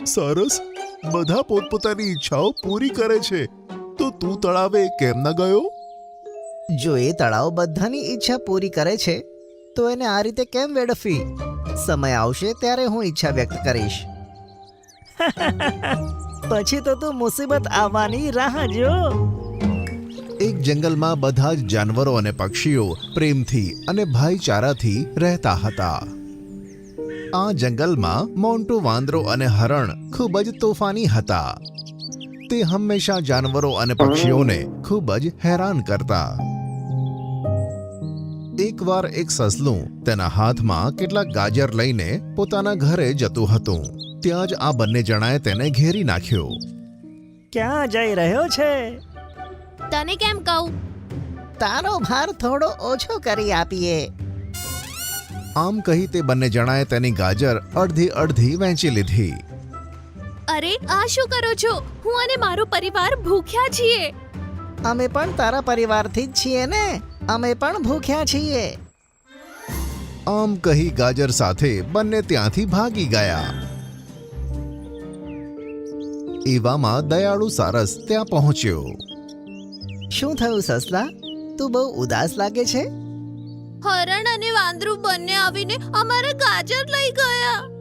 સરસ, બધા પોતપોતાની ઈચ્છાઓ પૂરી કરે છે, તો તું તળાવે કેમ ન ગયો? જો એ તળાવ બધાની ઈચ્છા પૂરી કરે છે તો એને આ રીતે કેમ વેડફવી? સમય આવશે ત્યારે હું ઈચ્છા વ્યક્ત કરીશ. પછી તો તું મુસીબત આવવાની રાહ જો. એક જંગલમાં બધા જ જાનવરો અને પક્ષીઓ પ્રેમથી અને ભાઈચારાથી રહેતા હતા. આ જંગલમાં મોન્ટુ વાંદરો અને હરણ ખૂબ જ તોફાની હતા. તે હંમેશા જાનવરો અને પક્ષીઓને ખૂબ જ હેરાન કરતા. એકવાર એક સસલું તેના હાથમાં કેટલાક ગાજર લઈને પોતાના ઘરે જતું હતું. ત્યાં જ આ બંને જણાએ તેને ઘેરી નાખ્યો. ક્યાં જઈ રહ્યો છે? તને કેમ કહું? તારો ભાર થોડો ઓછો કરી આપીએ. આમ કહી તે બંને જણાએ તેની ગાજર અડધી અડધી વહેંચી લીધી. અરે આ શું કરો છો? હું અને મારો પરિવાર ભૂખ્યા છીએ. અમે પણ તારા પરિવારથી જ છીએ ને, અમે પણ ભૂખ્યા છીએ. આમ કહી ગાજર સાથે બંને ત્યાંથી ભાગી ગયા. એવામાં દયાળુ સારસ ત્યાં પહોંચ્યો. શું થયું સસલા? તું બહુ ઉદાસ લાગે છે. હરણ અને વાંદરું બંને આવીને અમારા ગાજર લઈ ગયા.